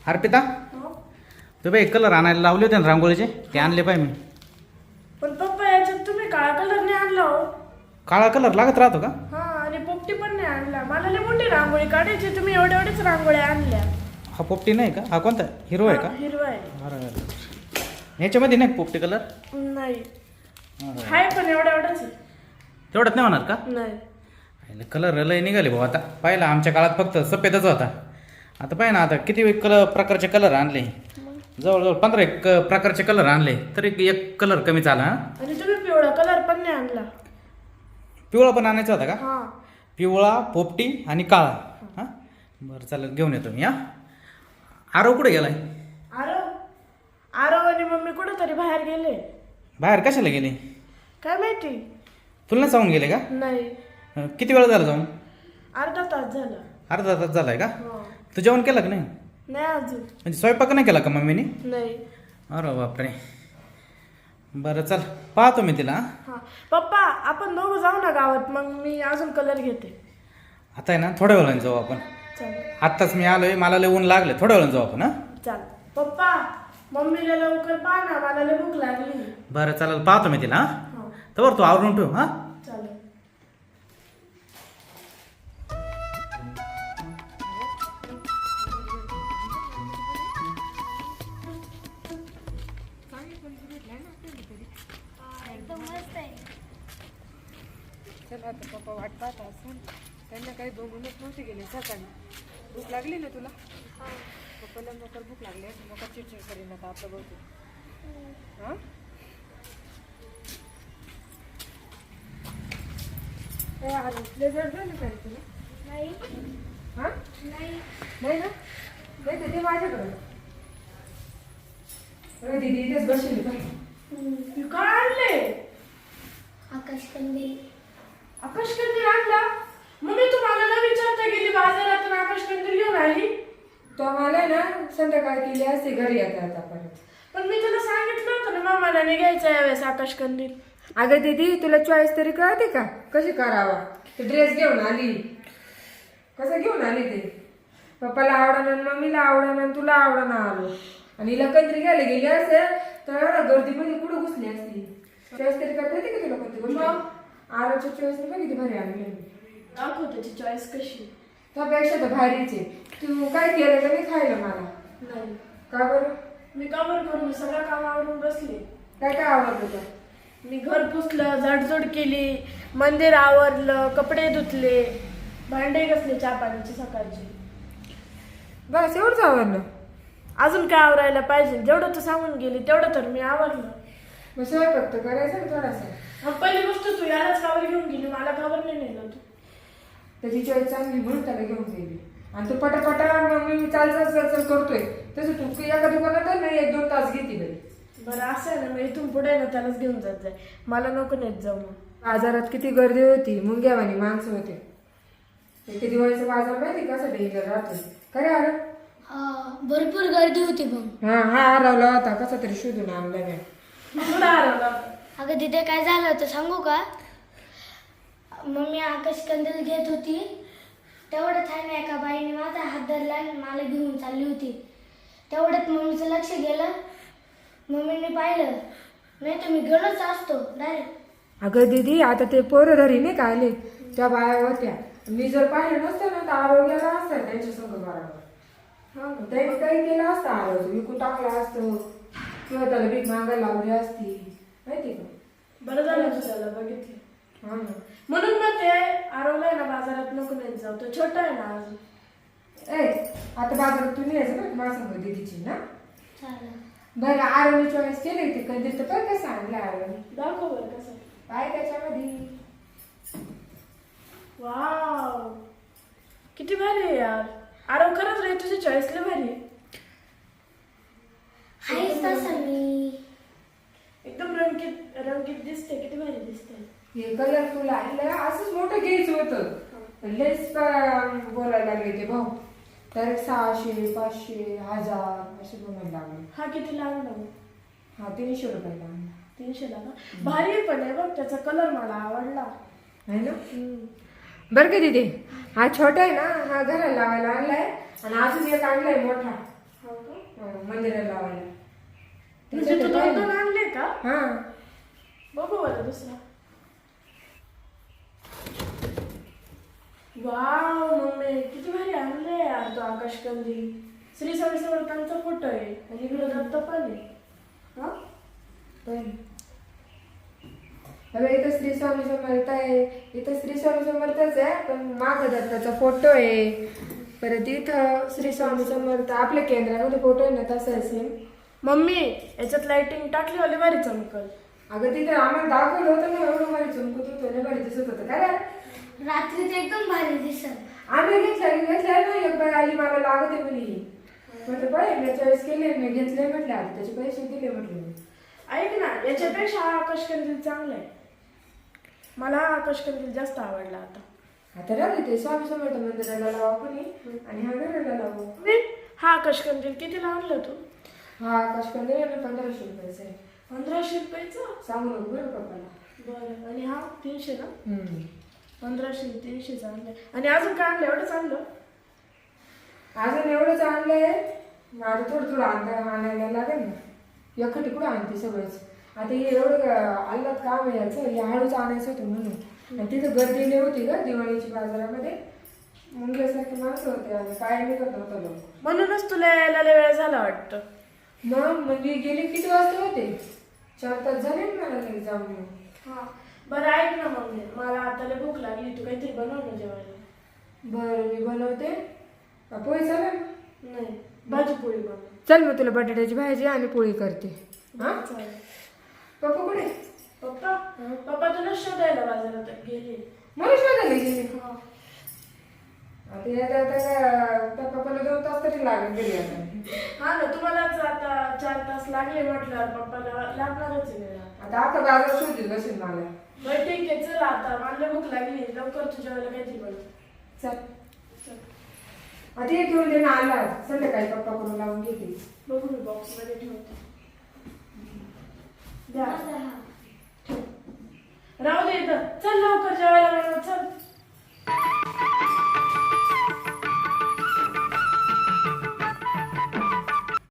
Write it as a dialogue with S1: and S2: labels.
S1: अर्पिता तू बाई कलर आणायला लावले होते ना रांगोळीचे, ते आणले पाय मी.
S2: पण पप्पा याच्यात तुम्ही काळा कलर नाही आणला हो.
S1: काळा कलर लागत राहतो का?
S2: हा, आणि पोपटी पण नाही आणला. मला लई मोठी रांगोळी काढायची, तुम्ही एवढ्याच रांगोळ्या आणल्या.
S1: हा पोपटी नाही का? हा कोणता हिरो आहे का?
S2: हिरवा आहे.
S1: बरं, ह्याच्यामध्ये नाही पोपटी कलर?
S2: नाही हाय, पण एवढ्याच आहे.
S1: तेवढ्यात नाही होणार का?
S2: नाही.
S1: कलर लय निघाले भाऊ आता. पाहिला आमच्या काळात फक्त सफेदच होता. आता पाहिजे ना, आता किती प्रकारचे कलर आणले. जवळजवळ 15 प्रकारचे कलर आणले, तरी एक कलर कमी झाला.
S2: आणि तुम्ही पिवळा कलर पण नाही आणला.
S1: पिवळा पण आणायचा होता का?
S2: हा.
S1: पिवळा, पोपटी आणि काळा. हां बरं, चालेल, घेऊन येतो मी. आरव कुठे गेलाय?
S2: आरव आणि मम्मी कुठं तरी बाहेर गेले.
S1: बाहेर कशाला गेले?
S2: काय माहिती.
S1: तुला नाही जाऊन गेले का?
S2: नाही.
S1: किती वेळ झाला जाऊन?
S2: अर्धा तास झाला.
S1: अर्धा तास झालाय का?
S2: हो.
S1: तू जेवण केलं का नाही?
S2: नाही अजून.
S1: म्हणजे स्वयंपाक नाही केला का मम्मीने?
S2: नाही.
S1: अरे बापरे. बरं चल, पाहतो मी तिला.
S2: हा पप्पा, आपण दोघं जाऊ ना गावात, मग मी अजून कलर घेते.
S1: आता आहे ना, थोड्या वेळाने जाऊ आपण.
S2: चालेल.
S1: आत्ताच मी आलोय, मला लय ऊन लागले. थोड्या वेळाने जाऊ आपण. हा
S2: चाल. पप्पा, मम्मीला लवकर पाहा ना, मला लय भूक लागली.
S1: बरं चालेल, पाहतो मी तिला.
S2: हा.
S1: तर तू आवरून ठेव. हा
S2: चालेल.
S3: चला आता पप्पा वाट पाहत असेल. त्यांना काही बघूनच नव्हते गेले सकाळी. भूक लागली ना तुला? पप्पाला नोकर भूक लागली, नका चिडचिड करीन आता आपलं बघू. हां काय आले जर झालं काय तुला?
S4: नाही.
S3: हां
S4: नाही.
S3: नाही ना? नाही तर ते माझ्याकडं. अरे दीदी इथेच बसली पाहिजे.
S2: काय आणले?
S4: आकाश कंदील.
S2: आकाश कंदील आणला? मम्मी तुम्हाला न विचारता गेली बाजारातून आकाश कंदील घेऊन आली.
S3: तो आम्हाला ना संध्याकाळी केली असते घरी येता आता परत.
S2: पण मी तुला सांगितलं होतं ना मामाला नाही घ्यायचं यावेळेस आकाश कंदील.
S3: अगं दीदी, तुला चॉईस तरी कळते का कशी करावा? ते ड्रेस घेऊन आली, कसं घेऊन आली ते? पप्पाला आवडणार, मम्मीला आवडणार, तुला आवडणार आलो. आणि हिला कंत्री घ्यायला गेली असेल तर एवढ्या गर्दीमध्ये कुठं घुसली असती? चॉईस तरी करता येते का तुला कोणती गोष्ट? आरोच्या चॉईस नाही किती भारी आणली.
S2: दाखव त्याची चॉईस कशी.
S3: त्यापेक्षा तर भारीच आहे. तू काय केलं का नाही खायला मला?
S2: नाही.
S3: का बरं?
S2: मी का बरं करू? मी सगळं काम आवरून बसले.
S3: काय काय आवडलं तुला?
S2: मी घर पुसलं, झाडझूड केली, मंदिर आवरलं, कपडे धुतले, भांडे घासले चहा पाण्याची सकाळची.
S3: बस एवढंच आवडलं?
S2: अजून काय आवरायला पाहिजे? जेवढं तू सांगून गेली तेवढं तर मी आवरलं.
S3: मग स्वयंपाक तर करायचं ना थोडासा.
S2: मग पहिली गोष्ट, तू यालाच कावर घेऊन गेली, मला कावर नाही नेलं तू?
S3: त्याची चॉईस चांगली म्हणून त्याला घेऊन गेली. आणि तू पटापटा मग मी चाल करतोय तसं तू एका दुकानात नाही 1-2 तास घेते बाई.
S2: बरं असं आहे ना, मग इथून पुढे ना त्यालाच घेऊन जात जाय, मला नको नेत जाऊ. मग
S3: बाजारात किती गर्दी होती, मुंग्यावानी माणसं होते. ते दिवाळीचा बाजार माहिती कसा डेंजर राहतो. खरे आलं?
S4: हा, भरपूर गर्दी होती मग.
S3: हा हा हरवला होता, कसा तरी शोधून आणला मी.
S2: कुठं हरवला?
S4: अगं तिथे काय झालं होतं सांगू का? मम्मी आकाश कंदील घेत होती, तेवढ्यात आहे ना एका बाईने माझा हात धरला आणि मला घेऊन चालली होती. तेवढ्यात मम्मीचं लक्ष गेलं, मम्मीने पाहिलं, नाही तर मी गेलोच असतो डायरेक्ट.
S3: अगं दीदी, आता ते पोरं घरी नाही का आले, त्या बाया होत्या. मी जर पाहिलं नसतं ना तर आरोग्याला असतं त्यांच्या संग बरोबर. हा, त्यांनी काही केलं असतं, आरोग्य विकून टाकलं असतं किंवा त्याला भीक मागायला लावली असती, माहिती का?
S2: बरं झालं तू त्याला बघितलं.
S3: हा ना.
S2: म्हणून मग ते आरवलाय ना बाजारात नको नेत जाऊ, तो छोटा आहे ना अजून.
S3: आता बाजारात तू यायचं बरं माझ्या संग दीदीची ना.
S4: चालेल.
S3: बरं, आरोने चॉईस केली ते कंदील तर पण कसं आणलं आरोने?
S2: दाखव बरं कसं.
S3: काय त्याच्यामध्ये?
S2: वाव, किती भारी आहे यार. आरव, खरंच रे तुझी चॉईस लय भारी आहे.
S4: आहेच तसं मी.
S2: एकदम रंगीत रंगीत दिसते, किती भारी दिसते.
S3: हे कलरफुल आणलं, असंच मोठं घ्यायचं होतं. लयच बोलायला लागले ते भाऊ. तर 600, 500, 1000 असे बोलायला लागले.
S2: हा किती लागला मग?
S3: हा 300 रुपयाला आणला.
S2: 300 ला का? भारी पण आहे बघ, त्याचा कलर मला आवडला.
S3: आहे ना? बरं का दीदी, हा छोटा आहे ना, हा घराला लावायला आणलाय आणि अजून एक आणलाय मोठा.
S2: हो का?
S3: मंदिराला लावायला.
S2: म्हणजे तू
S3: त्याच्यात
S2: 2 आणले का?
S3: हा
S2: बघू बरं दुसरा. वाव मम्मी किती भारी आणले यार तो आकाश कंदील. श्री स्वामी समर्थांचा फोटो आहे आणि इकडे दत्त पण आहे. हा
S3: पण अरे इथं श्री स्वामी समर्थ आहे, इथं श्री स्वामी समर्थच आहे पण माग दत्ताचा फोटो आहे. परत इथं श्री स्वामी समर्थ आपल्या केंद्रामध्ये फोटो आहे ना तसं आहे सेम.
S2: मम्मी याच्यात लाइटिंग टाकली वाली भारी चमकल.
S3: अगं तिथं आम्हाला दाखवलं होतं ना एवढं भारी चमकत होतं लय भारी दिसत होतं काय रे?
S4: रात्री ते एकदम भारी दिसत.
S3: आम्ही घेतलं ना एक बाई आली मला लागत आहे म्हणे. म्हटलं बाई मी चॉईस केले मी घेतले म्हटलं आता त्याचे पैसे दिले म्हटलं मी.
S2: ऐक ना याच्यापेक्षा हा आकाश कंदील चांगला आहे. मला हा आकाश कंदील जास्त आवडला आता.
S3: आता राहू ते स्वामी समर्थ मंदिराला लावा कोणी आणि हा घराला लावू.
S2: मी हा आकाश कंदील कितीला आणलं तू?
S3: हा आकाश कंदील 1500 रुपयाचा आहे.
S2: 1500 रुपयाचा?
S3: सांगू नको बरं पप्पाला.
S2: बरं आणि हा 300 ना?
S3: हम्म.
S2: 1500 300 आणलंय. आणि अजून काय आणलं? एवढंच आणलं?
S3: अजून एवढंच आणलंय. माझं थोडं आणायला लागेल ना. एकटी कुठं आणते सगळंच. आता हे एवढं आल्लात काम आहे याचं हे हळूच आणायचं होतं म्हणून. आणि तिथं गर्दी लई होती का दिवाळीची बाजारामध्ये. मुंग्यासारखी माणसं होते आणि काय निघत नव्हतं लोक.
S2: म्हणूनच तुला यायला लय वेळ झाला वाटतं.
S3: मग म्हणजे गेले किती वाजता होते 4 तास झाले ना मला घरी जाऊन येऊन.
S2: हा बरं ऐक ना मम्मी मला आता लय भूक लागली. तू काहीतरी बनव ना जेवायला.
S3: बरं मी बनवते. पोळी चालेल ना?
S2: नाही भाजी पोळी बनव.
S3: चल मग तुला बटाट्याची भाजी आणि पोळी करते. हा
S2: चालेल.
S3: पप्पा कुठे?
S2: पप्पा पप्पा तुला शोधायला बाजारात गेले.
S3: मला शोधायला गेली.
S2: हा.
S3: आता यायला आता काय त्या पप्पाला 2 तास तरी लागेल गेली आता.
S2: हा ना तुम्हालाच आता 4 तास लागले म्हटल्यावर पप्पाला लागणारच आहे वेळ.
S3: आता आता बाजार शोधील बसेल मला.
S2: बरं ठीक आहे चल आता मला भूक लागली लवकर तुझ्या वेळेला काहीतरी बनव.
S3: चल आता हे घेऊन दे ना आला संध्याकाळी पप्पा करून लावून घेते.
S2: बघू मी बॉक्स मध्ये ठेवते. द्या
S4: माझा हा.
S2: राहू दे इथं. चल लवकर जेवायला बनव चल.